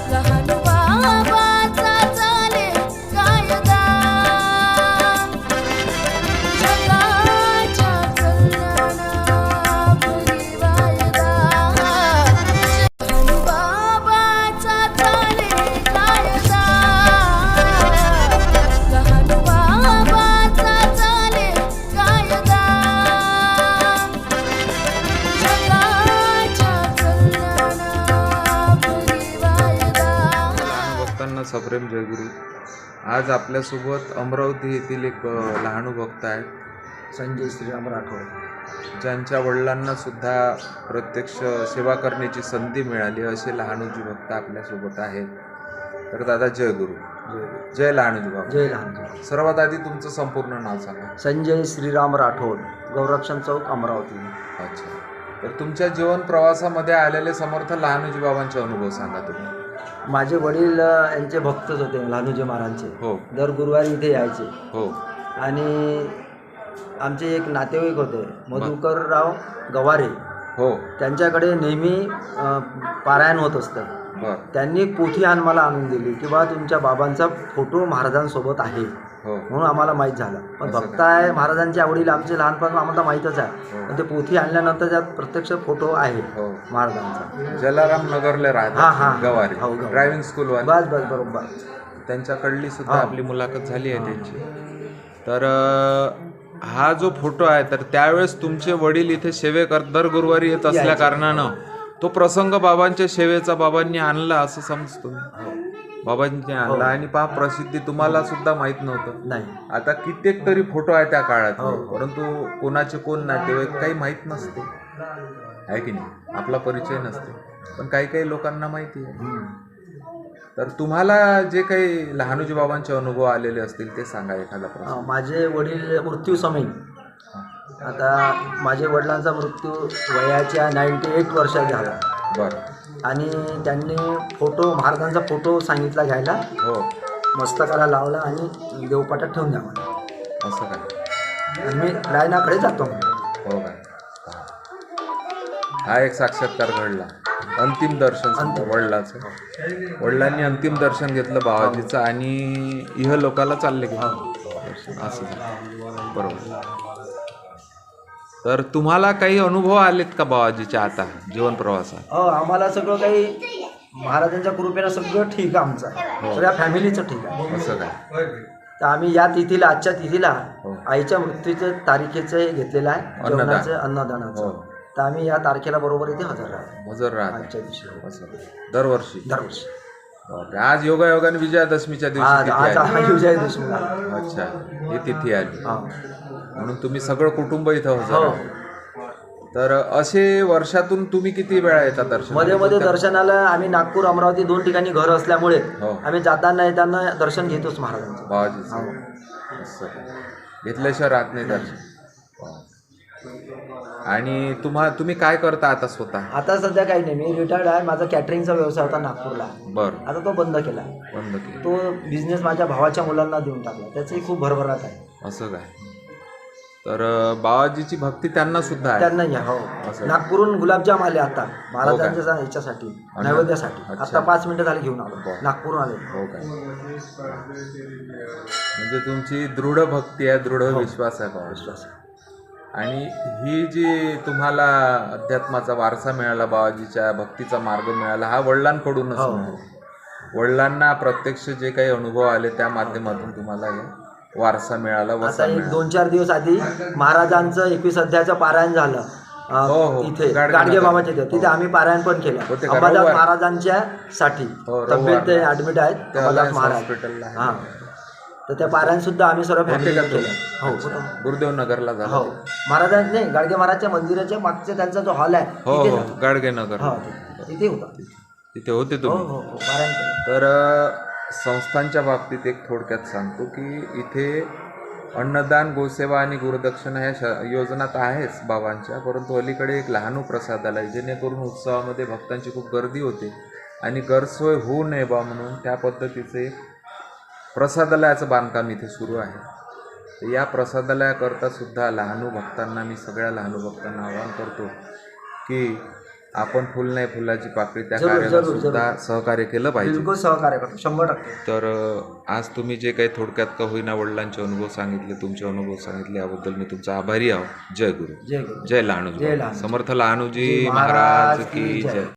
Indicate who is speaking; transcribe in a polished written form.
Speaker 1: लहान बाबाचा चाले कायदा जगाच्या कल्याणापुरी वायदा लहान बाबाचा चाले कायदा लहान बाबाचा चाले कायदा जगाच्या कल्याणापुरी वायदा
Speaker 2: भक्तांना सप्रेम जयगुरु. आज आपल्यासोबत अमरावती येथील एक लहानू भक्त आहेत,
Speaker 3: संजय श्रीराम राठोड.
Speaker 2: ज्यांच्या वडिलांना सुद्धा प्रत्यक्ष सेवा करण्याची संधी मिळाली असे लहानूजी भक्त आपल्यासोबत आहेत. तर दादा जय गुरु. जय लहानूजी बाबा.
Speaker 3: जय लहानजी.
Speaker 2: सर्वात आधी तुमचं संपूर्ण नाव सांगा.
Speaker 3: संजय श्रीराम राठोड, गौरक्षण चौक, अमरावती.
Speaker 2: अच्छा. तर तुमच्या जीवन प्रवासामध्ये आलेले समर्थ लहानूजी बाबांचे अनुभव सांगा तुम्ही.
Speaker 3: माझे वडील यांचे भक्तच होते, लहानूजी महाराजांचे.
Speaker 2: हो
Speaker 3: दर गुरुवारी इथे यायचे.
Speaker 2: हो
Speaker 3: आणि आमचे एक नातेवाईक होते, मधुकरराव गवारे.
Speaker 2: हो.
Speaker 3: त्यांच्याकडे नेहमी पारायण होत असतं.
Speaker 2: बर.
Speaker 3: त्यांनी पोथी मला आणून दिली की बा तुमच्या बाबांचा फोटो महाराजांसोबत आहे,
Speaker 2: हो
Speaker 3: म्हणून आम्हाला माहीत झालं. पण
Speaker 2: असं
Speaker 3: भक्त आहे महाराजांच्या आवडीला आमचे लहानपण आम्हाला माहीतच आहे.
Speaker 2: हो.
Speaker 3: पण ते पोथी आणल्यानंतर त्यात प्रत्यक्ष फोटो आहे
Speaker 2: हो.
Speaker 3: महाराजांचा.
Speaker 2: जलाराम नगरला
Speaker 3: हा,
Speaker 2: राहतात
Speaker 3: हा.
Speaker 2: गवारी,
Speaker 3: हो, गवारी.
Speaker 2: ड्रायव्हिंग स्कूल वाले.
Speaker 3: बस बस बरोबर.
Speaker 2: त्यांच्याकडली सुद्धा
Speaker 3: हा.
Speaker 2: आपली मुलाखत झाली आहे त्यांची. तर हा जो फोटो आहे, तर त्यावेळेस तुमचे वडील इथे दर गुरुवारी येत असल्या कारणानं तो प्रसंग बाबांच्या सेवेचा बाबांनी आणला असं समजतो मी. बाबांनी आणला आणि पहा प्रसिद्धी तुम्हाला सुद्धा माहित नव्हतं.
Speaker 3: नाही.
Speaker 2: आता कित्येक तरी फोटो आहे त्या काळात,
Speaker 3: हो.
Speaker 2: परंतु कोणाचे कोण नातेवाईक काही माहीत नसते, आहे की नाही, आपला परिचय नसते. पण काही काही लोकांना माहिती आहे. तर तुम्हाला जे काही लहानूजी बाबांचे अनुभव आलेले असतील ते सांगा एखादा प्रसंग.
Speaker 3: माझे वडील मृत्यू समय, आता माझ्या वडिलांचा मृत्यू वयाच्या 98 वर्षात झाला.
Speaker 2: बरं.
Speaker 3: आणि त्यांनी फोटो महाराजांचा फोटो सांगितला घ्यायला,
Speaker 2: हो.
Speaker 3: मस्तकाला लावला आणि देवपाटात ठेवून द्या मला.
Speaker 2: असं काय?
Speaker 3: आणि मी लायनाकडे जातो.
Speaker 2: हो काय? हा एक साक्षात्कार घडला. अंतिम दर्शन समजा वडिलाचं. वडिलांनी अंतिम दर्शन घेतलं बाबाजीचं आणि इह लोकाला चालले गेले. असं झालं. बरोबर. तर तुम्हाला काही अनुभव आलेत का बाबाजीच्या आता जीवन प्रवासात?
Speaker 3: आम्हाला सगळं काही महाराजांच्या कृपेनं सगळं ठीक आहे. आमचं सगळ्या फॅमिलीचं ठीक आहे.
Speaker 2: असं काय?
Speaker 3: तर आम्ही या तिथीला, आजच्या तिथीला
Speaker 2: हो.
Speaker 3: आईच्या मृत्यूचं तारीखेचं हे घेतलेलं आहे, जेवणाचं अन्नदानाचं.
Speaker 2: हो.
Speaker 3: तर आम्ही या तारखेला बरोबर इथे हजर राहतो.
Speaker 2: हजर राहत
Speaker 3: आजच्या दिवशी.
Speaker 2: असं दरवर्षी.
Speaker 3: दरवर्षी.
Speaker 2: बापरे. आज योगायोगाने विजयादशमीच्या दिवशी
Speaker 3: आज
Speaker 2: तिथी
Speaker 3: आज
Speaker 2: आली.
Speaker 3: विजयादशमी आहे.
Speaker 2: अच्छा, ही तिथी आली.
Speaker 3: हा.
Speaker 2: म्हणून तुम्ही सगळं कुटुंब इथं हजर
Speaker 3: हो.
Speaker 2: आहे. तर असे वर्षातून तुम्ही किती वेळा येता दर्शन?
Speaker 3: मध्ये मध्ये दर्शनाला आम्ही नागपूर, अमरावती 2 ठिकाणी घर असल्यामुळे
Speaker 2: हो.
Speaker 3: आम्ही जाताना येताना दर्शन घेतोच महाराजांचं.
Speaker 2: बाबाजीचं. असं घेतल्याशिवाय राहत नाही दर्शन. आणि तुम्ही काय करता आता स्वतः?
Speaker 3: आता सध्या काही नाही, मी रिटायर्ड आहे. माझा कॅटरिंगचा व्यवसाय होता नागपूरला,
Speaker 2: बरं.
Speaker 3: आता तो बंद केला.
Speaker 2: बंद केलं.
Speaker 3: तो बिझनेस माझ्या भावाच्या मुलांना देऊन टाकला. त्याची खूप भरभराट आहे.
Speaker 2: असं काय? तर बाबाजीची भक्ती त्यांना सुद्धा आहे.
Speaker 3: त्यांना या. हो. नागपूरहून गुलाबजाम आले आता महाराजांच्या ह्याच्यासाठी, नैवेद्यासाठी.
Speaker 2: अच्छा.
Speaker 3: आता 5 मिनिटं झाली घेऊन आलो. नागपूरहून आले.
Speaker 2: हो काय? म्हणजे तुमची दृढ भक्ती आहे, दृढ विश्वास आहे बाबा.
Speaker 3: विश्वास.
Speaker 2: आणि ही जी तुम्हाला अध्यात्माचा वारसा मिळाला, बाबाजीच्या भक्तीचा मार्ग मिळाला, हा वडिलांकडूनच मिळाला. वडिलांना प्रत्यक्ष जे काही अनुभव आले त्या माध्यमातून तुम्हाला हे वारसा मिळाला.
Speaker 3: आता एक 2-4 दिवस आधी महाराजांचं 21 अध्यायाचं पारायण झालं.
Speaker 2: हो.
Speaker 3: इथे गाडगे बाबाच्या इथे. तिथे आम्ही पारायण पण केलं. अंबादास महाराजांच्या साठी तब्येत ऍडमिट आहेत अंबादास महाराज
Speaker 2: हॉस्पिटलला.
Speaker 3: हा. तर त्या पारायण सुद्धा आम्ही सर्व फॅमिली केलं. हो.
Speaker 2: गुरुदेव नगरला झाला.
Speaker 3: हो. महाराजांनी नाही, गाडगे महाराजच्या मंदिराच्या मागच्या त्यांचा जो हॉल आहे
Speaker 2: हो
Speaker 3: तिथे
Speaker 2: हो
Speaker 3: झालं.
Speaker 2: गाडगे नगर.
Speaker 3: हो, तिथे होता.
Speaker 2: तिथे होते
Speaker 3: हो
Speaker 2: तुम्ही?
Speaker 3: हो हो. पारायण केलं.
Speaker 2: तर संस्थांच्या बाबतीत एक थोडक्यात सांगतो की इथे अन्नदान, गोसेवा आणि गुरुदक्षिणा ह्या योजना तर आहेच बाबांच्या, परंतु अलीकडे एक लहानू प्रसादालय, जेणेकरून उत्सवामध्ये भक्तांची खूप गर्दी होते आणि गैरसोय होऊ नये बा म्हणून त्या पद्धतीचे एक प्रसादालयाचं बांधकाम इथे सुरू आहे. तर या प्रसादालयाकरता सुद्धा लहानू भक्तांना, मी सगळ्या लहानू भक्तांना आवाहन करतो की आपण फुल नाही फुलाची पाकळी त्या
Speaker 3: जरूर,
Speaker 2: कार्याला
Speaker 3: जरूर,
Speaker 2: सुद्धा सहकार्य केलं पाहिजे.
Speaker 3: बिलकुल सहकार्य करतो 100%.
Speaker 2: तर आज तुम्ही जे काही थोडक्यात का होईना वडिलांचे अनुभव सांगितले, तुमचे अनुभव सांगितले, याबद्दल मी तुमचा आभारी आहो. जय गुरु,
Speaker 3: जय गुरु,
Speaker 2: जय लहानूजी,
Speaker 3: जय लहानूजी.
Speaker 2: समर्थ लहानूजी
Speaker 3: जी
Speaker 2: महाराज की जय.